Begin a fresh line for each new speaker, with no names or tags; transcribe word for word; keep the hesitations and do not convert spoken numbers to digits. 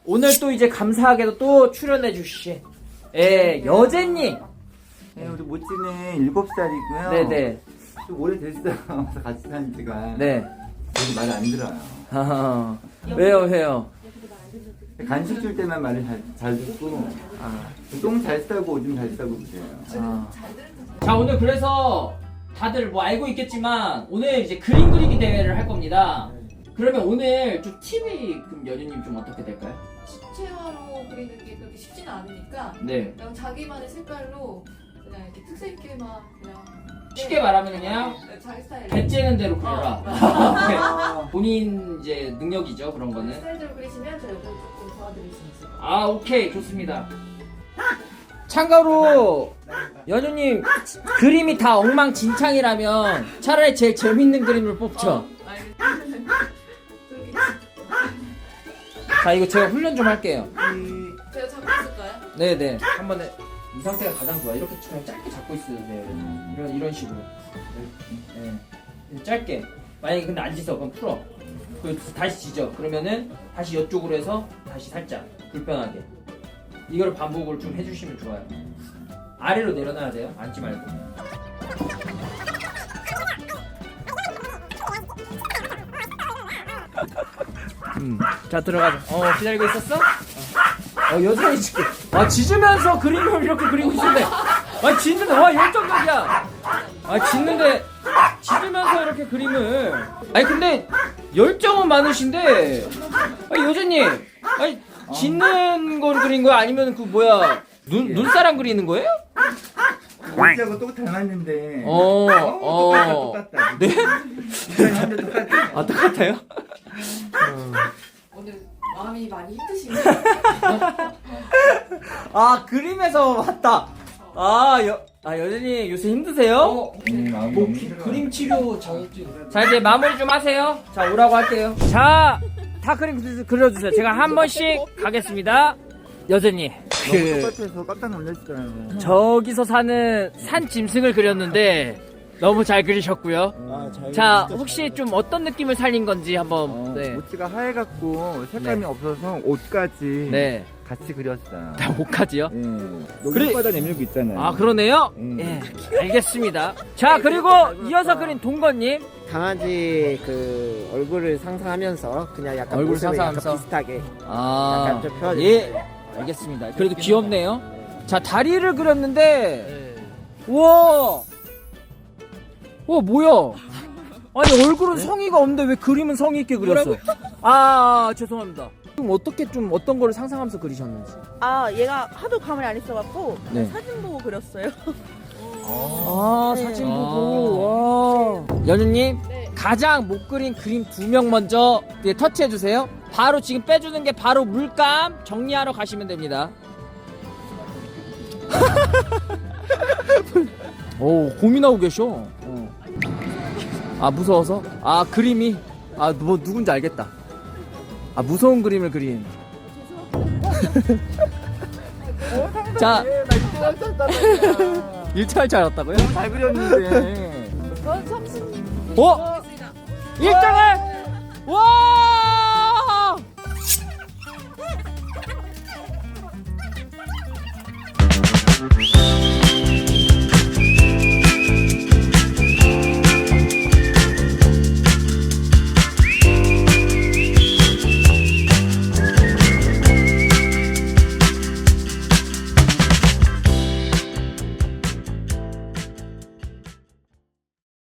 오늘 또 이제 감사하게도 또 출연해 주신 예, 여제님.
네, 우리 모찌는 일곱 살이고요.
네네.
좀 오래됐어요. 그래서 같이 산 지가.
네.
여기 말 안 들어요.
하하. 왜요, 왜요?
간식 줄 때만 말을 잘, 잘 듣고, 아, 똥 잘 싸고 오줌 잘 싸고 그래요.
아. 자, 오늘 그래서 다들 뭐 알고 있겠지만 오늘 이제 그림 그리기 대회를 할 겁니다. 그러면 오늘 좀 팁이 그럼 연유님 좀 어떻게 될까요?
십체화로 그리는 게 그렇게 쉽지는 않으니까
네.
그냥 자기만의 색깔로 그냥 이렇게 특색 있게만 그냥
쉽게 말하면 그냥
네, 자기 스타일
배째는 대로 그려라.
아,
본인 이제 능력이죠, 그런 거는.
스타일대로 그리시면 저희가 조금 도와드릴 수 있을 것 같아요.
아, 오케이, 좋습니다. 참고로 연유님 그림이 다 엉망진창이라면 차라리 제일 재밌는 그림을 뽑죠.
알겠습니다. 저기
자, 이거 제가 훈련 좀 할게요.
제가 잡고 있을까요?
네네. 한 번에 이 상태가 가장 좋아. 이렇게 그냥 짧게 잡고 있어야 돼요. 이런 이런 식으로. 네. 짧게. 만약에 근데 안 짖어, 그럼 풀어. 그리고 다시 짖어. 그러면은 다시 이쪽으로 해서 다시 살짝 불편하게. 이걸 반복을 좀 해주시면 좋아요. 아래로 내려놔야 돼요. 앉지 말고. 음. 자, 들어가자. 어, 기다리고 있었어? 어, 여전히 지금. 아, 짖으면서 그림을 이렇게 그리고 있는데. 아, 짖는데, 와, 열정적이야. 아, 짖는데, 짖으면서 이렇게 그림을. 아니, 근데, 열정은 많으신데. 아니, 여전히. 아니, 짖는 걸 그린 거야? 아니면 그, 뭐야, 눈, 눈사람 그리는 거예요?
모찌하고 똑 닮았는데.
어,
똑같다,
어.
똑같다.
네?
이상한데 똑같아.
아, 똑같아요?
오늘 마음이 많이 힘드신가요?
아, 그림에서 왔다. 아, 여, 아, 여전히 요새 힘드세요?
음, 마음이
뭐
너무
기-
힘들어요.
그림 치료 자격증. 자, 이제 마무리 좀 하세요. 자, 오라고 할게요. 자, 다 그림 그- 그려주세요. 제가 한 번씩 가겠습니다. 여전히
너무
그
똑같아서 깜짝 놀랐어요.
저기서 사는 산 짐승을 그렸는데 너무 잘 그리셨고요.
아, 잘
자,
진짜
혹시
잘
좀 어떤 느낌을 살린 건지 한번.
어,
네.
모찌가 하얘갖고 색감이
네.
없어서 옷까지
네.
같이 그렸어요.
다 목까지요?
예. 여기
그래-
손바닥 내밀고 있잖아요.
아, 그러네요.
음.
예, 알겠습니다. 자, 그리고 이어서 그린 동건님.
강아지 그 얼굴을 상상하면서 그냥 약간
얼굴
모습을 약간
상상하면서?
비슷하게
아,
약간 좀 펴주세요.
예, 알겠습니다. 그래도 귀엽네요. 자, 다리를 그렸는데, 우와, 와, 뭐야? 아니, 얼굴은 성의가 없는데 왜 그림은 성의 있게 그렸어? 아, 죄송합니다. 좀 어떻게 좀 어떤 거를 상상하면서 그리셨는지.
아 얘가 하도 감을 안 있어갖고
네.
사진 보고 그렸어요.
아,
네.
사진 보고, 와. 연우님,
네.
가장 못 그린 그림 두 명 먼저 네, 터치해주세요. 바로 지금 빼주는 게 바로 물감 정리하러 가시면 됩니다. 오, 고민하고 계셔. 어. 아, 무서워서? 아, 그림이? 아, 뭐, 누군지 알겠다. 아, 무서운 그림을 그린. 자, 일차할 줄 알았다고요?
잘 그렸는데.
전 삼십님
어? 일 등을! 와!